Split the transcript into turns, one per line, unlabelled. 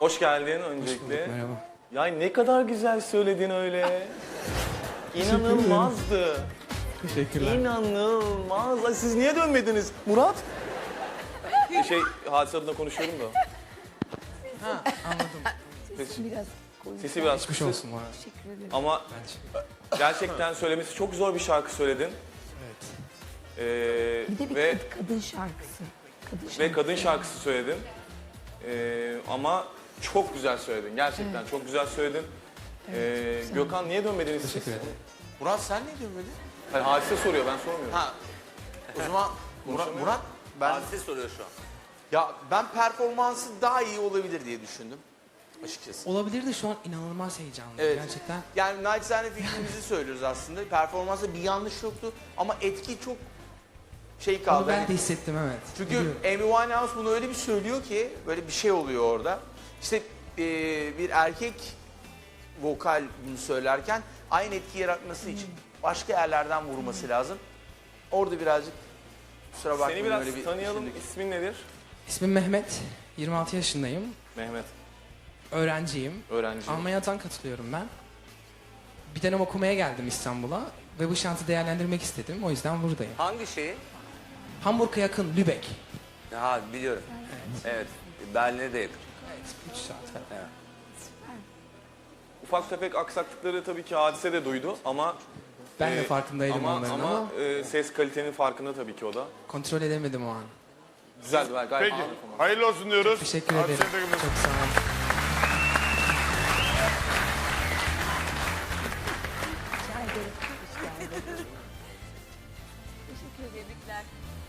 Hoş geldin öncelikle.
Merhaba.
Ya ne kadar güzel söyledin öyle. İnanılmazdı.
Teşekkürler.
İnanılmaz. Ay, siz niye dönmediniz? Murat? Hadise adına konuşuyorum da.
Ha, anladım.
Sesi biraz
Geçmiş
kısık.
olsun bana.
Teşekkür ederim.
Ama
Bence.
gerçekten söylemesi çok zor bir şarkı söyledin.
Evet.
Bir de bir
Ve
kadın şarkısı.
kadın şarkısı söyledin. Ama çok güzel söyledin. Gerçekten çok güzel söyledin. Gökhan niye dönmediniz siz?
Teşekkür ederim.
Murat sen ne dönmedin?
Hayır, Hadise soruyor, ben sormuyorum.
Ha. O zaman Murat ben
Hadise soruyor şu an.
ben performansı daha iyi olabilir diye düşündüm açıkçası.
Olabilir de şu an inanılmaz heyecanlıyım
Evet.
gerçekten.
Yani naçizane fikrimizi söylüyoruz aslında. Performansta bir yanlış yoktu ama etki çok şey kaldı.
Onu ben
Hani-
de hissettim, evet.
Çünkü
Biliyorum.
Amy Winehouse bunu öyle bir söylüyor ki böyle bir şey oluyor orada. İşte bir erkek vokal bunu söylerken aynı etki yaratması için başka yerlerden vurması lazım. Orada birazcık kusura bakmayın
Seni biraz
öyle bir
tanıyalım.
düşündük.
İsmin nedir?
İsmim Mehmet. 26 yaşındayım.
Mehmet.
Öğrenciyim.
Öğrenci.
Almanya'dan katılıyorum ben. Bir dönem okumaya geldim İstanbul'a ve bu şansı değerlendirmek istedim. O yüzden buradayım.
Hangi şeyi?
Hamburg'a yakın Lübeck.
Ha biliyorum. Evet. Berlin'e de yakın.
Evet, 3 saat falan.
Ufak tefek aksaklıkları tabii ki Hadise de duydu ama
Ben de farkındaydım onların ama
ses kalitenin farkında tabii ki o da.
kontrol edemedim o an.
Güzeldi, gayet
Peki,
iyi.
hayırlı olsun diyoruz.
Teşekkür
Hadi
ederim.
seni de
Çok sağ olun.
Rica ederim. Hoş geldin. Teşekkür ederim.